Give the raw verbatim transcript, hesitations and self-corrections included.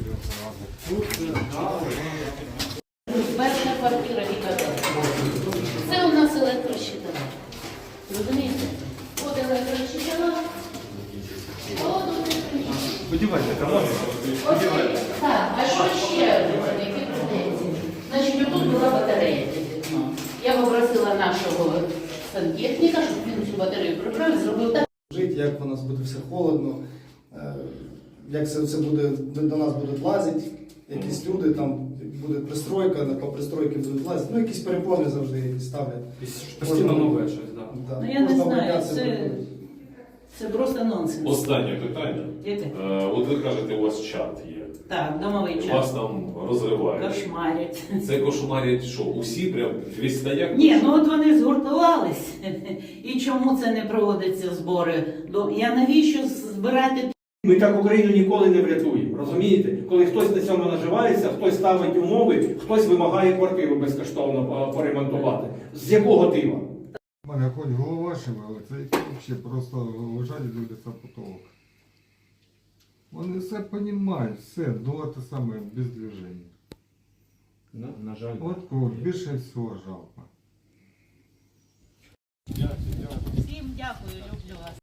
Перша квартира і казала. Це у нас електрощитова. Розумієте? От електрощитова, от електрощитова. Сподівайся, канал. Так, а що ще які претензії? Значить, отут була батарея. Я попросила нашого сантехніка, щоб він цю батарею прибрав і зробив так. Жити, як у нас буде все холодно, як це все буде, до нас будуть лазити, якісь люди, там буде пристройка, по пристройки будуть лазити, ну якісь перепони завжди якісь ставлять. Постійно нове щось, так. Да. Ну я не Можна знаю, боятися це, перепонів. це просто нонсенс. Останнє питання. Яке? Е, От ви кажете, у вас чат є. Так, домовий Вас час. там розривають. Кошмарять. Це кошмарять що? Усі прям весь стояк? Ні, ну от вони згуртувались. І чому це не проводяться збори? До- Я навіщо збирати? Ми так Україну ніколи не врятуємо, розумієте? Коли хтось на цьому наживається, хтось ставить умови, хтось вимагає квартиру безкоштовно поремонтувати. З якого дива? У мене хоч голова шевелиться, це взагалі просто лежать і дивляться потолок. Вони все розуміють, все, до те саме, без движення. На, на жаль. От кого більше всього жалко. Всім дякую, люблю вас.